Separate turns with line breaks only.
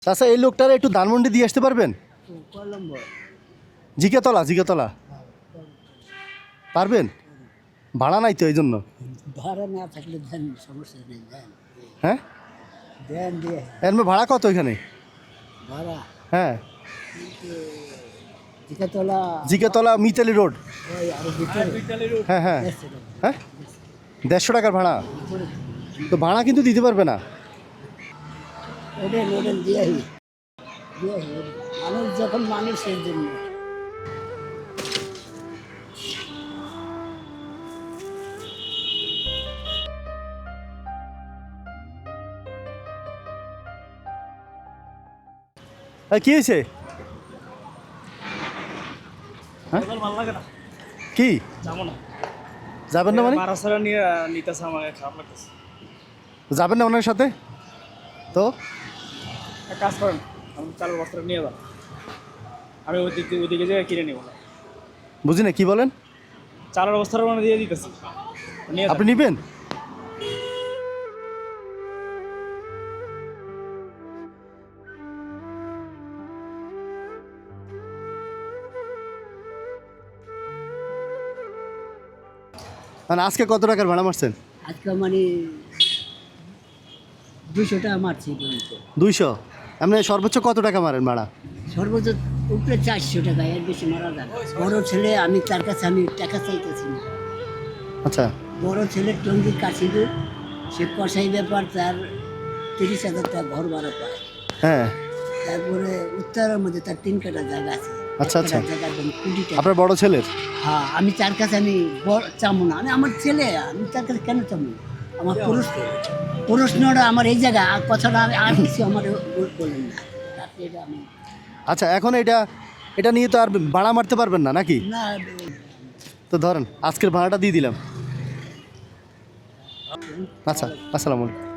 চাচা এই লোকটার একটু ধানমন্ডি দিয়ে আসতে পারবেন? জিকেতলা পারবেন? ভাড়া নাই তো এই জন্য।
ভাড়া না থাকলে দেন, সমস্যা নেই, দেন।
হ্যাঁ
দেন দিয়ে
এর ভাড়া কত এখানে?
ভাড়া
হ্যাঁ
জিকাতলা
মিতালি রোড।
ওই আরো ভিতরে
হ্যাঁ হ্যাঁ
150 টাকা।
হ্যাঁ 150 টাকার ভাড়া তো ভাড়া কিন্তু দিতে পারবে না।
ওডেন দিয়ে মানুষ যখন মানুষের জন্য।
কি হয়েছে?
ভালো লাগে না,
কি
যাবো না।
যাবেন না মানে?
মারাসারা নিয়ে নিতেছে, আমার খারাপ লাগতেছে।
যাবেন না ওনার সাথে? তো
এক কাজ করেন, আমি চালের বস্তাটা নিয়ে যান, আমি ওইদিকে যেয়ে কিনে নিব না।
বুঝি না কি বলেন?
চালের বস্তাটা মানে দিয়ে দিতেছি, নিয়ে যান।
আপনি নিবেন? মানে আজকে কত টাকার ভাড়া মারছেন?
আজকে মানে 200 টাকা মারছি পর্যন্ত।
200? আপনি সর্বোচ্চ কত টাকা মারেন ভাড়া?
সর্বোচ্চ উপরে 400 টাকা, এর বেশি মারা যায় না। বড় ছেলে, আমি তার কাছে আমি টাকা চাইতেছি না।
আচ্ছা
বড় ছেলে টঙ্গি কাশিদুর, সে কষাই ব্যাপার, তার 30,000 টাকা ঘর ভাড়া পায়।
হ্যাঁ
তারপরে উত্তরের মধ্যে তার 3 কাঠা জায়গা আছে।
আচ্ছা,
এক
আচ্ছা।
কাঠা জায়গার দাম 20 টাকা।
আপনার বড় ছেলের?
হ্যাঁ, আমি তার কাছে আমি চামো না, আমি আমার ছেলে, আমি তার কাছে কেন চামো? আমার প্রশ্নটা আমার এই জায়গা, আর কথাটা আমি আর কিছু আমার বলেন না। তাতে এটা আমি
আচ্ছা এখন এটা নিয়ে তো আর ভাড়া মারতে পারবেন না নাকি?
না।
তো ধরেন আজকের ভাড়াটা দিয়ে দিলাম। আচ্ছা আসসালামু আলাইকুম।